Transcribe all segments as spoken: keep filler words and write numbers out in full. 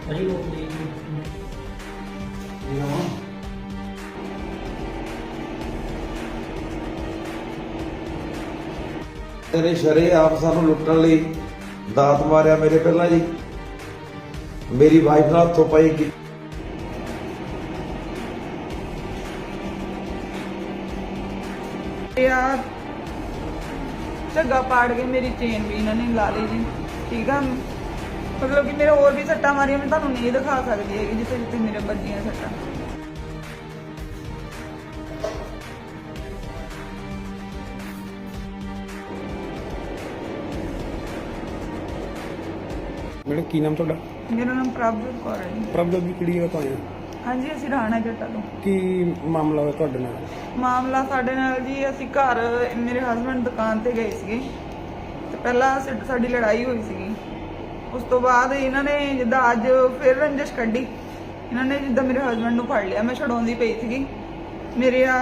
ਅਜੀ ਉਹ ਦੇ ਇਹ ਨਾ ਤੇਰੇ ਸ਼ਰੇ ਆਪ ਸਾਨੂੰ ਲੁੱਟਣ ਲਈ ਦਾਤ ਮਾਰਿਆ ਮੇਰੇ ਪਹਿਲਾਂ ਜੀ। ਮੇਰੀ ਵਾਈਫ ਨਾਲ ਹੱਥੋਂ ਪਾਈ ਕੀ यार झग्गा पाड़ के मेरी चेन भी इन्होंने ला ली जी। ठीक है, मतलब कि मेरे और भी सट्टा मारिया मैं तुहानू नहीं दिखा सकती है जिथे जिथे मेरे बजियां सट्टा। मैडम की नाम तुहाडा? मेरा नाम प्रभजोत कौर है जी। प्रभजोत जी किहड़ी जगह तो आए हो? हाँ जी, असीं राणा जट्टा तो। की मामला होया तुहाडे नाल? मामला साडे नाल जी, असीं घर मेरे हसबैंड दुकान ते गए सीगे ते पहला साडी लड़ाई हुई सीगी। उस तो बाद इन्हां ने जिद्दां अज फिर रंजिश कड्ढी। इन्हां ने जिद्दां मेरे हसबैंड नूं फड़ लिया, मैं छड़ाउंदी पई सीगी। मेरे आ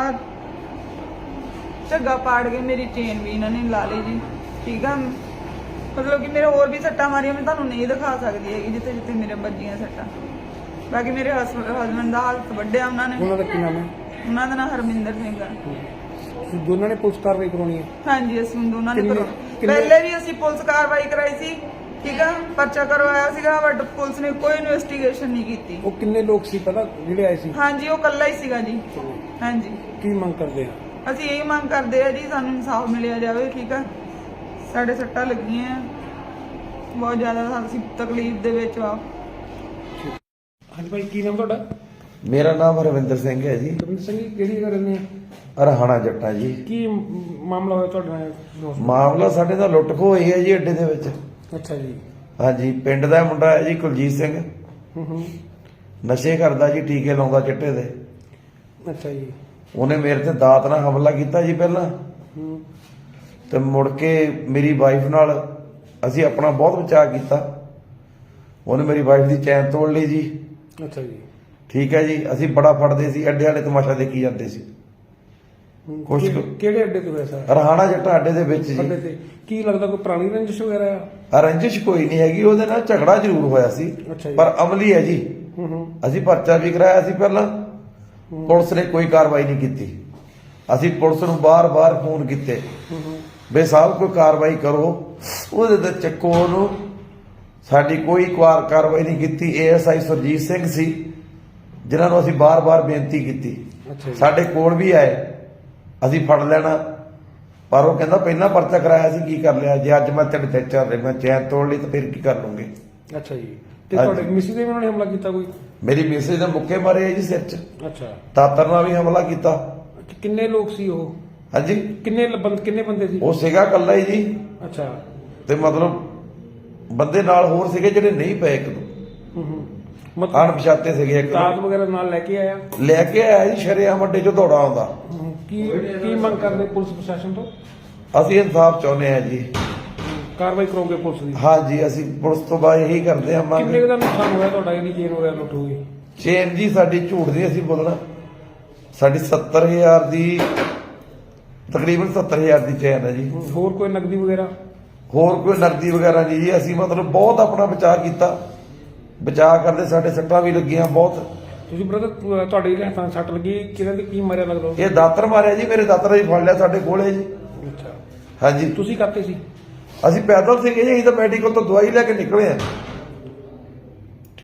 झग्गा पाड़ के मेरी चेन भी इन्हां ने ला ली जी। ठीक है, मतलब कि मेरे और भी सट्टा मारिया मैं तुहानू नहीं दिखा सकती है जिथे जिथे मेरे बजियां सट्टा। बाकी मेरे हसबैंड का हालत वड्डिया उन्होंने। ਉਹਨਾਂ ਦਾ ਕੀ ਨਾਮ ਹੈ? ਉਹਨਾਂ ਦਾ ਨਾਮ ਹਰਮਿੰਦਰ ਸਿੰਘ ਹੈ। ਤੁਸੀਂ ਦੋਨਾਂ ਨੇ ਪੁਲਿਸ ਕਾਰਵਾਈ ਕਰਾਉਣੀ ਹੈ? ਹਾਂਜੀ, ਅਸੀਂ ਦੋਨਾਂ ਨੇ ਕਿੰਨੇ- ਕਰਵਾ ਕਿੰਨੇ- ਪਹਿਲੇ ਵੀ ਅਸੀਂ ਪੁਲਿਸ ਕਾਰਵਾਈ ਕਰਾਈ ਸੀ। ਠੀਕ ਹੈ, ਪਰਚਾ ਕਰਵਾਇਆ ਸੀਗਾ ਬਟ ਪੁਲਿਸ ਨੇ ਕੋਈ ਇਨਵੈਸਟੀਗੇਸ਼ਨ ਨਹੀਂ ਕੀਤੀ। ਉਹ ਕਿੰਨੇ ਲੋਕ ਸੀ ਪਤਾ ਜਿਹੜੇ ਆਏ ਸੀ? ਹਾਂਜੀ, ਉਹ ਇਕੱਲਾ ਹੀ ਸੀਗਾ ਜੀ। ਹਾਂਜੀ, ਕੀ ਮੰਗ ਕਰਦੇ ਆ? ਅਸੀਂ ਇਹ ਮੰਗ ਕਰਦੇ ਆ ਜੀ ਸਾਨੂੰ ਇਨਸਾਫ ਮਿਲਿਆ ਜਾਵੇ। ਠੀਕ ਹੈ, ਸਾਡੇ ਸੱਟਾਂ ਲੱਗੀਆਂ ਬਹੁਤ ਜ਼ਿਆਦਾ, ਅਸੀਂ ਤਕਲੀਫ ਦੇ ਵਿੱਚ ਆ। ਹਾਂਜੀ ਭਾਈ, ਕੀ ਨਾਮ ਤੁਹਾਡਾ? ਮੇਰਾ ਨਾਮ ਹਰਵਿੰਦਰ ਸਿੰਘ ਹੈ ਜੀ। ਰਵਿੰਦਰ ਸਿੰਘ ਜੀ, ਕਿਹੜੀ ਜਗ੍ਹਾ ਰਹਿੰਦੇ ਆ? ਰਹਾਣਾ ਜੱਟਾ ਜੀ। ਕੀ ਮ- ਮਾਮਲਾ ਹੋਇਆ ਤੁਹਾਡੇ ਨਾਲ? ਮਾਮਲਾ ਸਾਡੇ ਦਾ ਲੁੱਟ ਖੋਹ ਹੋਈ ਹੈ ਜੀ ਅੱਡੇ ਦੇ ਵਿੱਚ। ਅੱਛਾ ਜੀ। ਹਾਂਜੀ, ਪਿੰਡ ਦਾ ਮੁੰਡਾ ਹੈ ਜੀ ਕੁਲਜੀਤ ਸਿੰਘ। ਹੂੰ ਹੂੰ। ਨਸ਼ੇ ਕਰਦਾ ਜੀ, ਟੀਕੇ ਲਾਉਂਦਾ ਚਿੱਟੇ ਦੇ। ਅੱਛਾ ਜੀ। ਉਹਨੇ ਮੇਰੇ ਤੇ ਦਾਤ ਨਾਲ ਹਮਲਾ ਕੀਤਾ ਜੀ ਪਹਿਲਾਂ, ਹੂੰ। ਤੇ ਮੁੜ ਕੇ ਮੇਰੀ ਵਾਈਫ ਨਾਲ ਅਸੀਂ ਆਪਣਾ ਬਹੁਤ ਬਚਾਅ ਕੀਤਾ। ਉਹਨੇ ਮੇਰੀ ਵਾਈਫ ਦੀ ਚੈਨ ਤੋੜ ਲਈ ਜੀ। ਅੱਛਾ ਜੀ। ਠੀਕ ਹੈ ਜੀ, ਅਸੀਂ ਬੜਾ ਫੜਦੇ ਸੀ, ਅੱਡੇ ਵਾਲੇ ਤਮਾਸ਼ਾ ਦੇਖੀ ਜਾਂਦੇ ਸੀ। ਹੂੰ। ਕੁਛ ਕਿ- ਕੁ- ਕਿਹੜੇ ਅੱਡੇ ਤੋਂ ਹੋਇਆ ਸਰ? ਰਹਾਣਾ ਜੱਟਾ ਅੱਡੇ ਦੇ ਵਿੱਚ ਅੱਡੇ ਜੀ। ਤੇ ਕੀ ਲੱਗਦਾ ਕੋਈ ਪੁਰਾਣੀ ਰੰਜਿਸ਼ ਵਗੈਰਾ ਆ? ਰੰਜਿਸ਼ ਕੋਈ ਨਹੀਂ ਹੈਗੀ, ਉਹਦੇ ਨਾਲ ਝਗੜਾ ਜ਼ਰੂਰ ਹੋਇਆ ਸੀ ਅੱਛਾ ਜੀ। ਪਰ ਅਮਲੀ ਹੈ ਜੀ। ਹੂੰ ਹੂੰ। ਅਸੀਂ ਪਰਚਾ ਵੀ ਕਰਾਇਆ ਸੀ ਪਹਿਲਾਂ, ਪੁਲਿਸ ਨੇ ਕੋਈ ਕਾਰਵਾਈ ਨਹੀਂ ਕੀਤੀ। ਅਸੀਂ ਪੁਲਿਸ ਨੂੰ ਬਾਰ-ਬਾਰ ਫੋਨ ਕੀਤੇ ਹੂੰ ਹੂੰ। ਬੇ ਸਾਹਿਬ ਕੋਈ ਕਾਰਵਾਈ ਕਰੋ, ਉਹਦੇ ਤੇ ਚੱਕੋ ਉਹਨੂੰ। ਸਾਡੀ ਕੋਈ ਕਾਰ ਕਾਰਵਾਈ ਨਹੀਂ ਕੀਤੀ। ਏਐਸਆਈ ਸੁਰਜੀਤ ਸਿੰਘ ਸੀ ਜਿਨ੍ਹਾਂ ਨੂੰ ਅਸੀਂ ਬਾਰ-ਬਾਰ ਬੇਨਤੀ ਕੀਤੀ। ਅੱਛਾ ਜੀ। ਸਾਡੇ ਕੋਲ ਵੀ ਆਏ, ਅਸੀਂ ਫੜ ਲੈਣਾ, ਪਰ ਉਹ ਕਹਿੰਦਾ ਪਹਿਲਾਂ ਪਰਚਾ ਕਰਾਇਆ ਸੀ, ਕੀ ਕਰ ਲਿਆ? ਜੇ ਅੱਜ ਮੈਂ ਤੇਰੇ ਤੇ ਚੱਲ ਰਿਹਾ, ਮੈਂ ਚੈਨ ਤੋੜ ਲਈ ਤਾਂ ਫਿਰ ਕੀ ਕਰ ਲੂੰਗੇ? ਅੱਛਾ ਜੀ। ਤੇ ਹਾਂਜੀ। ਤੁਹਾਡੇ ਮਿਸਿਸ ਦੇ ਵੀ ਉਹਨਾਂ ਨੇ ਹਮਲਾ ਕੀਤਾ ਕੋਈ? ਮੇਰੀ ਮਿਸੇ ਦੇ ਮੁੱਕੇ ਮਾਰੇ ਆ ਜੀ ਸਿਰ 'ਚ। ਅੱਛਾ। ਦਾਤਰ ਨਾਲ ਵੀ ਹਮਲਾ ਕੀਤਾ। ਕਿ- ਕਿੰਨੇ ਲੋਕ ਸੀ ਉਹ? ਹਾਂਜੀ, ਕਿੰਨੇ ਲ- ਬੰਦ ਕਿੰਨੇ ਬੰਦੇ ਸੀ? ਉਹ ਸੀਗਾ ਇਕੱਲਾ ਹੀ ਜੀ, ਅੱਛਾ। ਤੇ ਮਤਲਬ ਬੰਦੇ ਨਾਲ ਹੋਰ ਸੀਗੇ ਜਿਹੜੇ ਨਹੀਂ ਪਏ ਇੱਕ ਦੋ ਹੂੰ ਹੂੰ। ਮਤਲਬ ਅਣਪਛਾਤੇ ਸੀਗੇ। ਇੱਕ ਦਾਤ ਦੋ ਵਗੈਰਾ ਨਾਲ ਲੈ ਕੇ ਆਇਆ? ਲੈ ਕੇ ਆਇਆ ਜੀ, ਸ਼ਰੇਆਮ ਅੱਡੇ 'ਚੋਂ ਦੌੜਾ ਆਉਂਦਾ। ਹੂੰ। ਕੀ ਕੀ ਮੰਗ ਕਰਦੇ ਪੁਲਿਸ ਪ੍ਰਸ਼ਾਸਨ ਤੋਂ? ਅਸੀਂ ਇਨਸਾਫ ਚਾਹੁੰਦੇ ਹਾਂ ਜੀ। ਕਾਰਵਾਈ ਕਰੋਗੇ ਪੁਲਿਸ ਦੀ? ਹਾਂਜੀ, ਅਸੀਂ ਪੁਲਿਸ ਤੋਂ ਬਾਅਦ ਇਹੀ ਕਰਦੇ ਹਾਂ ਕਿੰਨੇ ਮੰਗ। ਕੁ ਦਾ ਨੁਕਸਾਨ ਹੋਇਆ ਤੁਹਾਡਾ? ਇਹਦੀ ਚੇਨ ਵਗੈਰਾ ਲੁੱਟ ਹੋ ਗਈ? ਚੇਨ ਜੀ ਸਾਡੀ ਝੂਠ ਨਹੀਂ ਅਸੀਂ ਬੋਲਣਾ, ਸਾਡੀ ਸੱਤਰ ਹਜ਼ਾਰ ਦੀ, ਤਕਰੀਬਨ ਸੱਤਰ ਹਜ਼ਾਰ ਦੀ ਚੇਨ ਹੈ ਜੀ। ਹੂੰ। ਹੋਰ ਕੋਈ ਨਕਦੀ ਵਗੈਰਾ? ਹੋਰ ਕੋਈ ਨਕਦੀ ਵਗੈਰਾ ਨਹੀਂ ਜੀ। ਅਸੀਂ ਮਤਲਬ ਬਹੁਤ ਆਪਣਾ ਬਚਾਅ ਕੀਤਾ। ਬਚਾਅ ਕਰਦੇ ਸਾਡੇ ਸੱਟਾਂ ਵੀ ਲੱਗੀਆਂ ਬਹੁਤ। ਤੁਸੀਂ ਬ੍ਰਦਰ ਤੁਹਾਡੇ ਜਿਹੜੇ ਹੱਥਾਂ 'ਚ ਸੱਟ ਲੱਗੀ, ਕਿਹਨਾਂ ਦੇ ਕੀ ਮਾਰਿਆ ਲੱਗਦਾ? ਇਹ ਦਾਤਰ ਮਾਰਿਆ ਜੀ, ਮੇਰੇ ਦਾਤਰ ਜੀ ਫੜ ਲਿਆ ਸਾਡੇ ਕੋਲੇ ਜੀ। ਅੱਛਾ। ਹਾਂਜੀ, ਤੁਸੀਂ ਕਰਤੇ ਸੀ? ਅਸੀਂ ਪੈਦਲ ਸੀਗੇ ਜੀ, ਅਸੀਂ ਤਾਂ ਮੈਡੀਕਲ ਤੋਂ ਦਵਾਈ ਲੈ ਕੇ ਨਿਕਲੇ ਆ।